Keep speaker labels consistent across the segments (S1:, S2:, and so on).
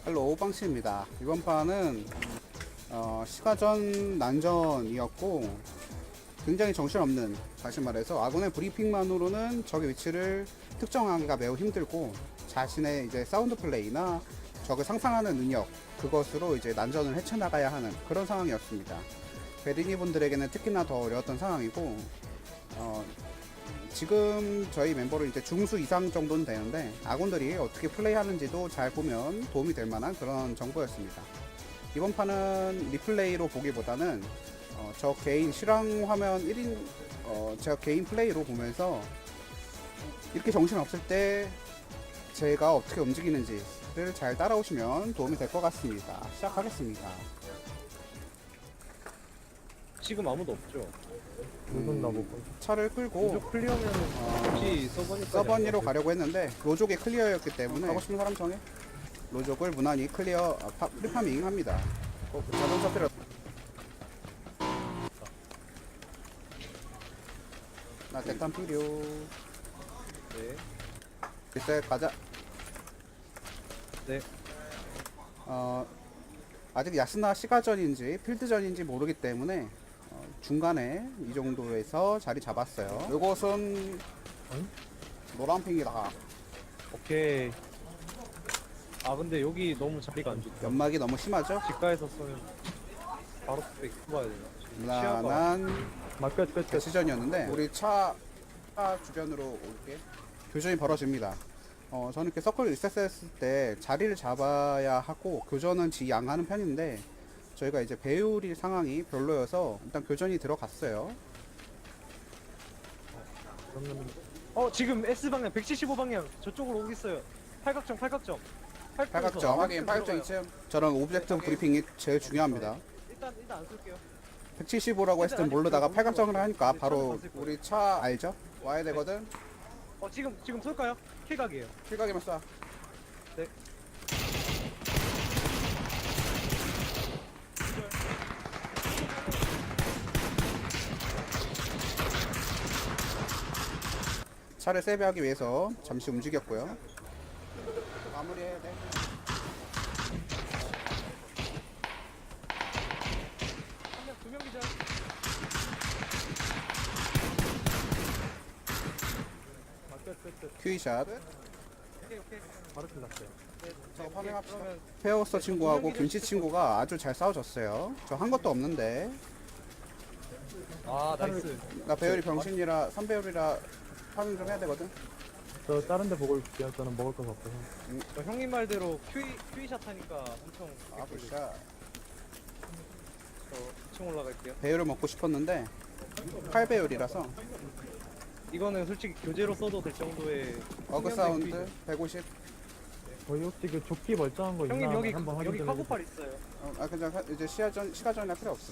S1: 헬로 오방씨입니다. 이번 판은 시가전 난전이었고 굉장히 정신없는, 다시 말해서 아군의 브리핑만으로는 적의 위치를 특정하기가 매우 힘들고 자신의 이제 사운드 플레이나 적을 상상하는 능력, 그것으로 이제 난전을 헤쳐나가야 하는 그런 상황이었습니다. 베리니 분들에게는 특히나 더 어려웠던 상황이고 지금 저희 멤버는 이제 중수 이상 정도는 되는데 아군들이 어떻게 플레이하는지도 잘 보면 도움이 될 만한 그런 정보였습니다. 이번 판은 리플레이로 보기보다는 저 개인 실황 화면 1인 제가 개인 플레이로 보면서 이렇게 정신없을 때 제가 어떻게 움직이는지를 잘 따라오시면 도움이 될 것 같습니다. 시작하겠습니다.
S2: 지금 아무도 없죠.
S3: 누군 나보고
S1: 차를 끌고
S2: 로족 클리어면은 혹시
S1: 서버니로 가려고 했는데 로족이 클리어였기 때문에 하고 싶은 사람 정해. 로족을 무난히 클리어 프리파밍 합니다. 자동차 필요. 나 대탄 필요.
S2: 네.
S1: 글쎄 가자.
S2: 네.
S1: 아직 야스나 시가전인지 필드전인지 모르기 때문에 중간에 이 정도에서 자리 잡았어요. 요것은 노란핑이다.
S2: 오케이. 아 근데 여기 너무 자리가 안 좋다.
S1: 연막이 너무 심하죠?
S2: 집가에서 쏘면 바로 백 봐야 되나? 시야가
S1: 무난한
S3: 끝.
S1: 시전이었는데 우리 차 주변으로 올게. 교전이 벌어집니다. 저는 이렇게 서클 리셋했을 때 자리를 잡아야 하고 교전은 지양하는 편인데 저희가 이제 배율이 상황이 별로여서 일단 교전이 들어갔어요.
S3: 그러면
S2: 지금 S 방향 175방향 저쪽으로 오겠어요. 팔각정.
S1: 팔각정 확인, 팔각정 2층. 저런 오브젝트 브리핑이 제일 중요합니다.
S2: 일단 안 쏠게요.
S1: 175라고 했을 땐 모르다가 팔각정을 하니까 바로 우리 차 알죠? 와야 되거든.
S2: 지금 쏠까요? 킬각이에요.
S1: 킬각이면 쏴.
S2: 네.
S1: 차를 세배하기 위해서 잠시 움직였고요. 마무리해야 돼.
S2: 두 명 기절.
S3: 끝.
S1: 큐이샷.
S2: 오케이.
S3: 바로 끝났어요.
S1: 저거 파밍합시다.
S2: 그러면
S1: 페어스터 친구하고 김치 친구가 아주 잘 싸워줬어요. 저 한 것도 없는데.
S2: 나이스.
S1: 나 배율이 병신이라 3배율이라 파밍 좀 해야 되거든.
S3: 저 다른 데 보고 있을게요. 저는 먹을 거 없어서.
S2: 형님 말대로 큐이샷 하니까 엄청
S1: 아, 굿샷.
S2: 저 2층 올라갈게요.
S1: 배율을 먹고 싶었는데 8배율이라서
S2: 이거는 솔직히 교재로 써도 될 정도의
S1: 어그 사운드 150.
S3: 저희 혹시 그 조끼 멀쩡한 거 있나
S2: 형님 여기
S3: 한번 확인 좀
S2: 카고팔 있어요.
S1: 그냥 이제 시가전이나 필요 없어.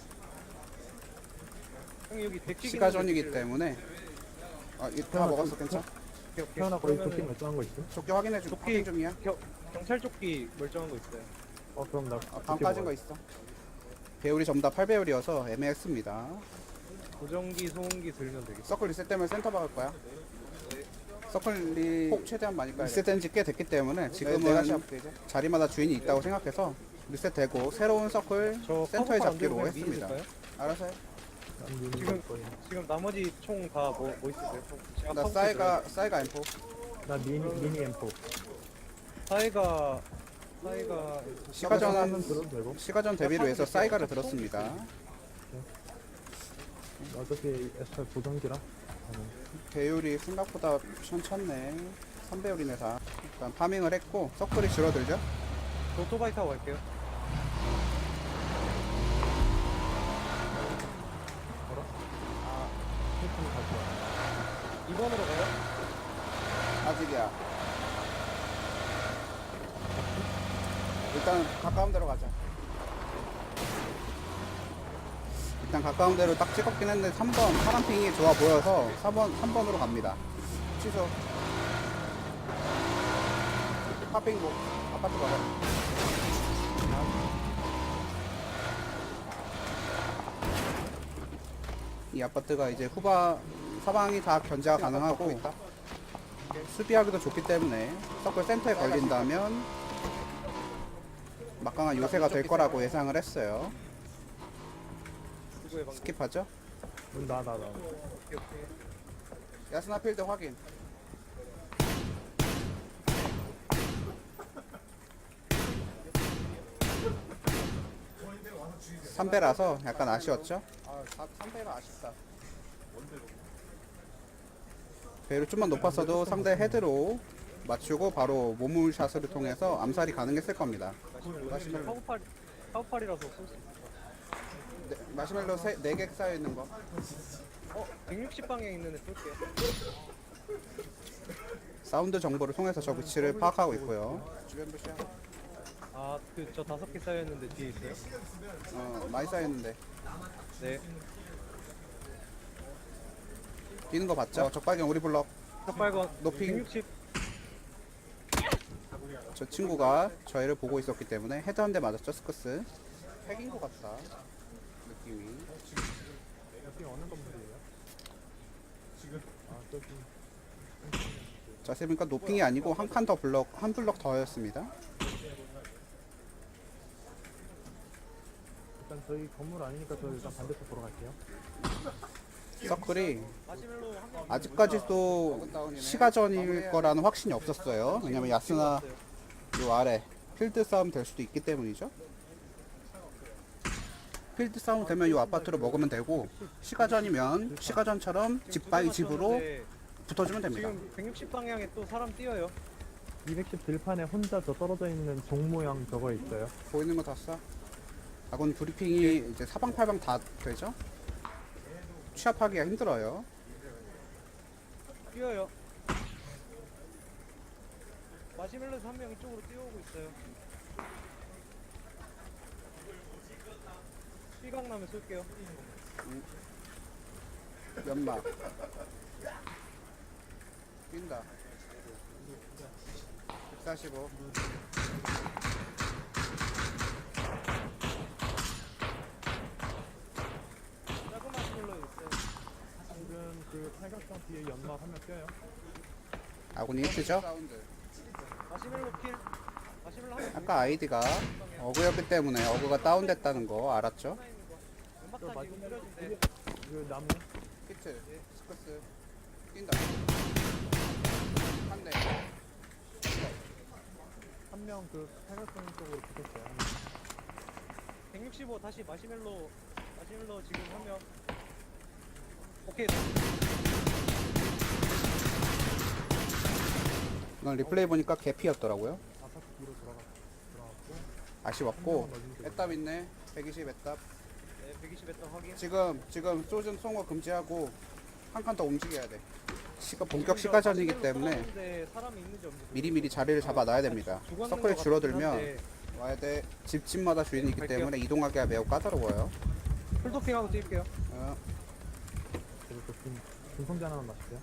S2: 형님 여기 백기
S1: 시가전이기 때문에 다 먹었어. 괜찮아.
S3: 태어나 거기 조끼 멀쩡한 거 있어?
S1: 조끼 확인해주고
S2: 조끼-
S1: 확인 중이야.
S2: 경찰 조끼 멀쩡한 거 있어요.
S3: 그럼 나
S1: 반 빠진 거 있어. 배율이 전부 다 8배율이어서 애매했습니다.
S2: 보정기, 소음기 들면 되겠어.
S1: 서클 리셋 때문에 센터 박을 거야. 서클이 폭 최대한 많이 까야 돼. 리셋된 지 꽤 됐기 때문에 지금은 자리마다 주인이 있다고 생각해서 리셋되고 새로운 서클
S2: 저
S1: 센터에
S2: 카고팔 안
S1: 잡기로
S2: 들고 그냥
S1: 했습니다.
S2: 미니
S1: 알아서 해.
S2: 지금 나머지 총 다 뭐 있으세요? 제가
S1: 나
S2: 카고팔
S1: 싸이가 M4.
S3: 나 미니 M4
S2: 사이가
S1: 시가전
S3: 들어도 되고.
S1: 시가전 대비를 위해서 싸이가를 들었습니다.
S3: 어차피 S8 보정기라.
S1: 배율이 생각보다 천천네. 3배율이네 다. 일단 파밍을 했고 서클이 줄어들죠.
S2: 오토바이 타고 갈게요.
S3: 휴톤 갈 거야.
S2: 2번으로 가요?
S1: 아직이야. 일단 가까운 데로 가자. 일단 가까운 데로 딱 찍었긴 했는데 3번 파란핑이 좋아 보여서 3번으로 갑니다. 취소. 파핑 뭐 아파트 가봐. 이 아파트가 이제 사방이 다 견제가 가능하고 수비하기도 좋기 때문에 서클 센터에 걸린다면 막강한 요새가 될 거라고 예상을 했어요.
S2: 누구의 방금?
S1: 스킵하죠?
S3: 나.
S2: 오케이 오케이.
S1: 야스나 필드 확인. 삼배라서 약간 아쉬웠죠? 아, 3배가 아쉽다. 배를 좀만 높았어도 상대 헤드로 맞추고 바로 몸물샷을 통해서 암살이 가능했을 겁니다. 마시멜로.
S2: 카우팔이라서 쏠 수 있어.
S1: 마시멜로 4개 쌓여있는 거.
S2: 160방향 있는 애 쏠게.
S1: 사운드 정보를 통해서 저 위치를 파악하고 있고요. 주변 부시야.
S2: 그 저 5개 쌓여있는데 뒤에 있어요?
S1: 많이 쌓였는데.
S2: 네.
S1: 뛰는 거 봤죠? 적발견 우리 블럭.
S2: 삭발건
S1: 높이.
S2: 160.
S1: 저 친구가 저희를 보고 있었기 때문에 헤드 한 대 맞았죠, 스커스. 핵인 것 같다. 느낌이.
S3: 여기 어느 건물이에요? 저기.
S1: 자세히 보니까 노핑이 아니고 한 칸 더 블럭, 한 블럭 더였습니다.
S3: 일단 저희 건물 아니니까 저 일단 반대쪽 보러 갈게요.
S1: 서클이
S2: 마시멜로 한 명.
S1: 아직까지도 시가전일 거라는 확신이 없었어요. 왜냐면 야스나 요 아래 필드 싸움 될 수도 있기 때문이죠. 필드 싸움 되면 요 아파트로 먹으면 되고, 시가전이면 시가전처럼 집 바이 집으로 붙어주면 됩니다.
S2: 지금 160 방향에 또 사람 뛰어요.
S3: 210 들판에 혼자 저 떨어져 있는 종 모양 저거 있어요.
S1: 보이는 거 다 쏴. 아군 브리핑이 이제 사방팔방 다 되죠? 취합하기가 힘들어요.
S2: 뛰어요. 마시멜로에서 한 명 이쪽으로 뛰어오고 있어요. 시각 나면 쏠게요.
S1: 연막 뛴다. 145.
S2: 작은 마시멜로 있어요.
S3: 지금 그 팔각정 뒤에 연막 한 명 껴요.
S1: 아군이 히트죠?
S2: 마시멜로 킬. 마시멜로 한 명.
S1: 아까 아이디가 어그였기 때문에 어그가 다운됐다는 거 알았죠?
S2: 연막탄 지금 뿌려준대.
S3: 그 나무.
S1: 히트, 스커스 뛴다. 한 대.
S3: 한 명 그 팔각정 쪽으로 붙었어요.
S2: 165 다시 마시멜로 지금 한 명. 오케이.
S1: 이건 리플레이 보니까 개피였더라고요.
S3: 아파트 뒤로 들어갔고.
S1: 아쉬웠고 애답 있네. 120 애답.
S2: 네, 120 했던 확인.
S1: 지금 쏘는 송어 금지하고 한 칸 더 움직여야 돼. 본격 시가전이기 때문에
S2: 사람이 있는지 없는지
S1: 미리미리 자리를 잡아놔야 됩니다. 서클이 줄어들면 와야 돼. 집마다 주인이 있기
S2: 갈게요.
S1: 때문에 이동하기가 매우 까다로워요.
S2: 풀도핑하고 뛸게요.
S3: 그리고 또 중성제 하나만 마실게요.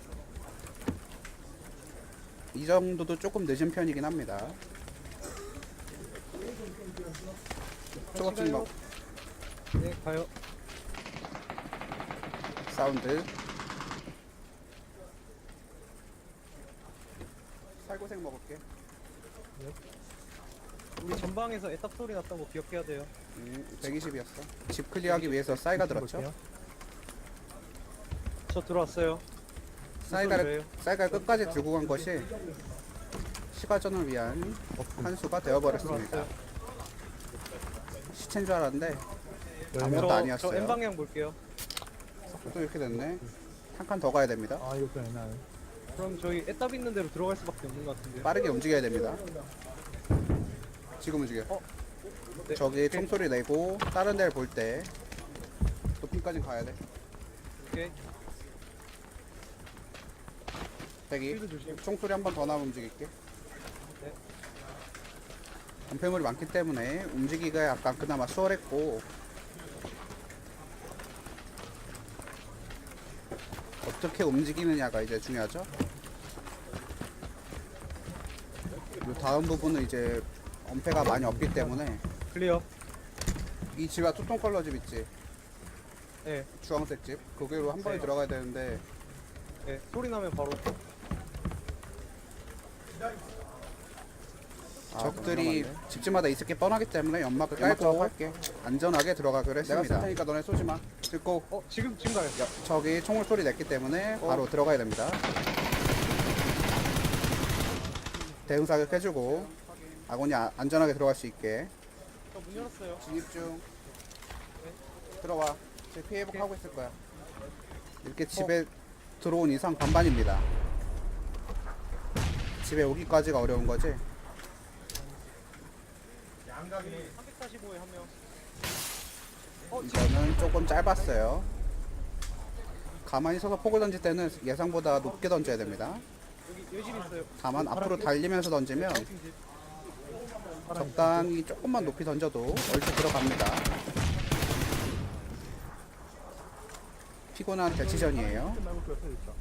S1: 이 정도도 조금 늦은 편이긴 합니다. 초밥집 먹
S2: 네, 가요.
S1: 사운드. 살고생 먹을게.
S2: 우리 전방에서 애답 소리 났던 거 기억해야 돼요.
S1: 120이었어. 집 클리어하기 위해서 싸이가 들었죠.
S3: 볼게요.
S2: 저 들어왔어요.
S1: 싸이가를 끝까지 들고 간 것이 시가전을 위한 한 수가 되어버렸습니다. 시체인 줄 알았는데 아무것도 아니었어요.
S2: 저 N 방향 볼게요.
S1: 또 이렇게 됐네. 한 칸 더 가야 됩니다.
S3: 아 이거 좀 애매하네.
S2: 그럼 저희 애답 있는 대로 들어갈 수밖에 없는 것 같은데.
S1: 빠르게 움직여야 됩니다. 지금 움직여.
S2: 네.
S1: 저기 총소리 내고 다른 데를 볼 때 높이까지 가야 돼.
S2: 오케이.
S1: 대기.
S2: 필드 조심.
S1: 총소리 한 번 더 나면 움직일게.
S2: 네.
S1: 건폐물이 많기 때문에 움직이기가 약간 그나마 수월했고, 어떻게 움직이느냐가 이제 중요하죠. 이 다음 부분은 이제 엄폐가 많이 없기 때문에
S2: 클리어.
S1: 이 집아 뚜껑 컬러 집 있지,
S2: 네.
S1: 주황색 집, 거기로 한 번에
S2: 네.
S1: 들어가야 되는데
S2: 네. 소리 나면 바로.
S1: 적들이 집집마다 있을 게 뻔하기 때문에 연막을
S2: 연막
S1: 깔고
S2: 작업할게.
S1: 안전하게 들어가기로 했습니다. 내가 쓸 테니까 너네 쏘지 마. 듣고
S2: 지금 가요.
S1: 저기 총을 소리 냈기 때문에 바로 들어가야 됩니다. 대응 사격 해주고 아군이 안전하게 들어갈 수 있게
S2: 저 문 열었어요.
S1: 진입 중. 들어와. 제 피해 회복하고 있을 거야. 이렇게 집에 들어온 이상 반반입니다. 집에 오기까지가 어려운 거지.
S2: 345에 한 명.
S1: 이거는 조금 짧았어요. 가만히 서서 폭을 던질 때는 예상보다 높게 던져야 됩니다.
S2: 여기 집 있어요.
S1: 다만 앞으로 달리면서 던지면 적당히 조금만 높이 던져도 얼추 들어갑니다. 피곤한 대치전이에요.
S3: 말고 그 옆에 있다.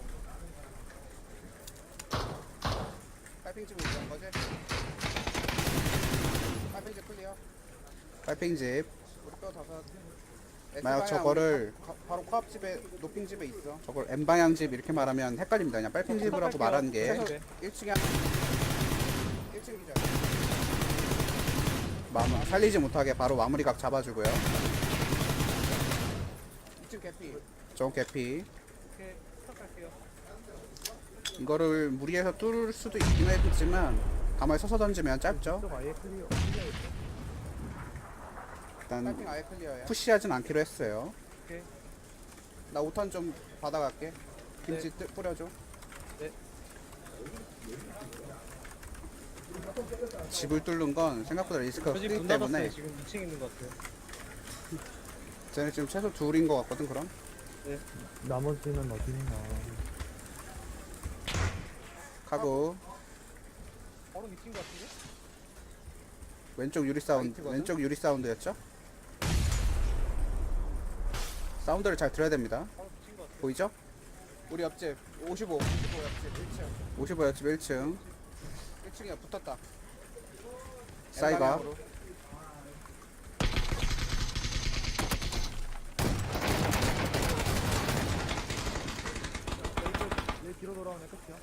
S1: 빨팽집으로 간 거지? 빨팽집 클리어. 빨팽집. 우리 뼈 다섯. 만약 저거를 바로 코앞집에 높임집에 있어. 저걸 N방향 집 이렇게 말하면 헷갈립니다. 그냥 빨팽집이라고 말하는 게 1층에 1층이죠. 살리지 못하게 바로 마무리각 잡아주고요. 2층 개피. 저 개피.
S2: 이렇게 스탑할게요.
S1: 이거를 무리해서 뚫을 수도 있긴 했지만 가만히 서서 던지면 짧죠.
S3: 좀 아예 클리어.
S1: 일단 아예 클리어야. 푸시하진 않기로 했어요.
S2: 오케이.
S1: 나 5탄 좀 받아갈게. 김치 뿌려줘.
S2: 네.
S1: 집을 뚫는 건 생각보다 리스크가
S2: 저집
S1: 크기
S2: 문
S1: 때문에
S2: 닫았어요. 지금 2층 있는 것 같아요.
S1: 쟤네 지금 최소 둘인 것 같거든. 그럼
S3: 나머지는 어딨나.
S1: 가고
S2: 바로 2층 같은데?
S1: 왼쪽 유리 사운드. 왼쪽 유리 사운드였죠? 사운드를 잘 들어야 됩니다.
S2: 바로 2층 것 같아요.
S1: 보이죠? 우리 옆집 55 옆집 1층 55 옆집 1층 1층이야 붙었다. 사이가
S3: 얘 뒤로 돌아오네 끝이야.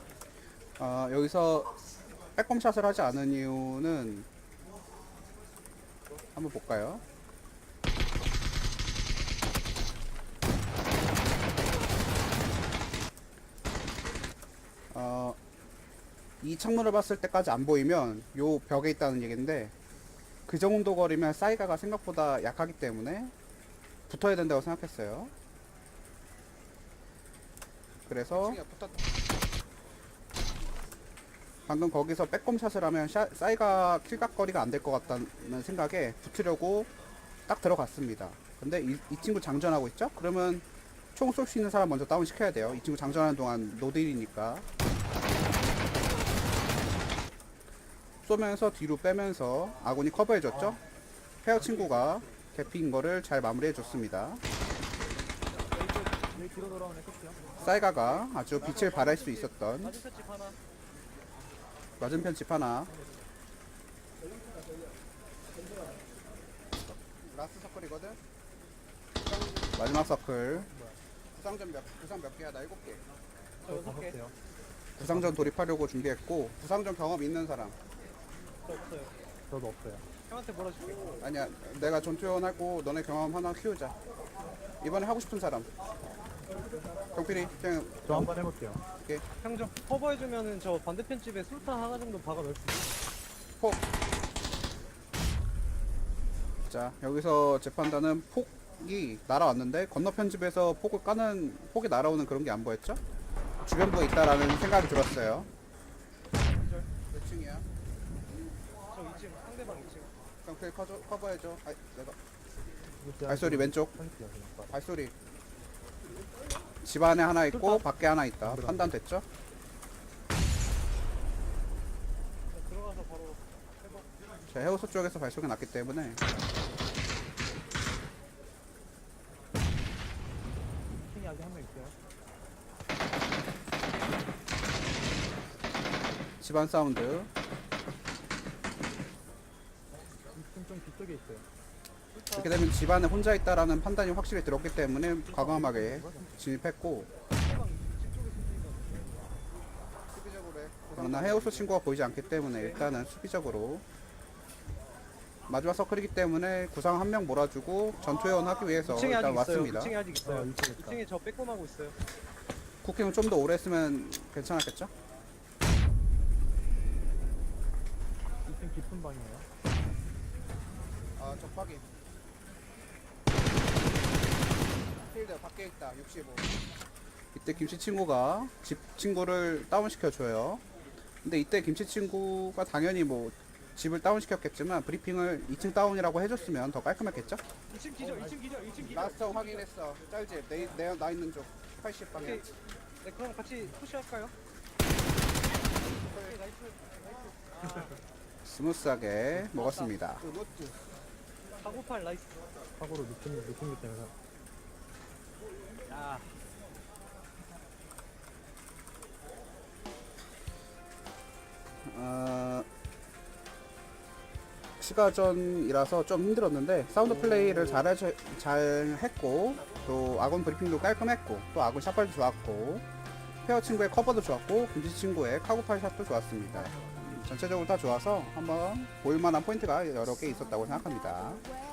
S1: 여기서 빼꼼샷을 하지 않은 이유는 한번 볼까요? 이 창문을 봤을 때까지 안 보이면 요 벽에 있다는 얘기인데 그 정도 거리면 사이가가 생각보다 약하기 때문에 붙어야 된다고 생각했어요. 그래서 방금 거기서 빼꼼샷을 하면 사이가 킬각거리가 안 될 것 같다는 생각에 붙으려고 딱 들어갔습니다. 근데 이 친구 장전하고 있죠? 그러면 총 쏠 수 있는 사람 먼저 다운 시켜야 돼요. 이 친구 장전하는 동안 노딜이니까. 쏘면서 뒤로 빼면서 아군이 커버해줬죠? 페어 친구가 개피인 거를 잘 마무리해줬습니다.
S3: 얘 뒤로 돌아오네 끝이야.
S1: 사이가가 아주 빛을 발할 수 있었던
S2: 맞은편 집 하나.
S1: 맞은편 집 하나. 라스트 서클이거든? 마지막 서클. 부상 몇 개야? 나 7개.
S2: 저 6개.
S3: 돼요.
S1: 부상전 돌입하려고 준비했고, 부상전 경험 있는 사람.
S2: 저 없어요.
S3: 저도 없어요.
S2: 형한테 몰아줄게.
S1: 아니야, 내가 전투원 하고 너네 경험 하나 키우자. 이번에 하고 싶은 사람. 경필이, 그냥
S3: 저 한번 해볼게요.
S2: 형 좀 커버해주면은 저 반대편 집에 술탄 하나 정도 박아 넣을 수 있어.
S1: 자, 여기서 재판단은 폭이 날아왔는데 건너편 집에서 폭이 날아오는 그런 게 안 보였죠? 주변부에 있다라는 생각이 들었어요. 몇 층이야?
S2: 저 2층, 상대방 2층.
S1: 경필 커버해줘. 내가
S3: 이거
S1: 발소리 왼쪽.
S3: 편집이야, 그냥.
S1: 발소리. 집 안에 하나 있고 밖에 하나 있다. 판단됐죠?
S2: 저 들어가서 바로 회복.
S1: 자, 해우소 쪽에서 발소리가 났기 때문에
S3: 층이 아직 한 명 있어요.
S1: 집안 사운드.
S3: 2층 좀 뒤쪽에 있어요.
S1: 이렇게 되면 집안에 혼자 있다라는 판단이 확실히 들었기 때문에 과감하게 진입했고
S2: 상대방 2층 쪽에 숨긴 거.
S1: 수비적으로 해. 나 헤어스 친구가 보이지 않기 때문에 일단은 수비적으로 마지막 서클이기 때문에 구상 한 명 몰아주고 전투회원 하기 위해서
S2: 2층에
S1: 일단
S2: 아직 있어요.
S1: 왔습니다.
S2: 2층에 아직 있어요.
S3: 2층에 있다.
S2: 2층에 저 빼꼼하고 있어요.
S1: 쿠킹은 좀 더 오래 했으면 괜찮았겠죠?
S3: 2층 깊은 방이에요.
S1: 아, 적박이. 필드 밖에 있다. 65. 이때 김치 친구가 집 친구를 다운시켜 줘요. 근데 이때 김치 친구가 당연히 뭐 집을 다운시켰겠지만 브리핑을 2층 다운이라고 해줬으면 더 깔끔했겠죠?
S2: 2층 기절, 2층 기절, 2층 기절.
S1: 라스트 확인했어. 짤집 나 있는 쪽 80방향.
S2: 오케이. 네, 그럼 같이 푸시할까요? 오케이, 나이스.
S1: 스무스하게 먹었습니다.
S2: 사고팔 나이스.
S3: 사고로 늦은 게 때문에.
S2: 야,
S1: 시가전이라서 좀 힘들었는데 사운드 플레이를 잘 했고 또 아군 브리핑도 깔끔했고 또 아군 샷발도 좋았고 페어 친구의 커버도 좋았고 김지 친구의 카고팔 샷도 좋았습니다. 전체적으로 다 좋아서 한번 볼만한 포인트가 여러 개 있었다고 생각합니다.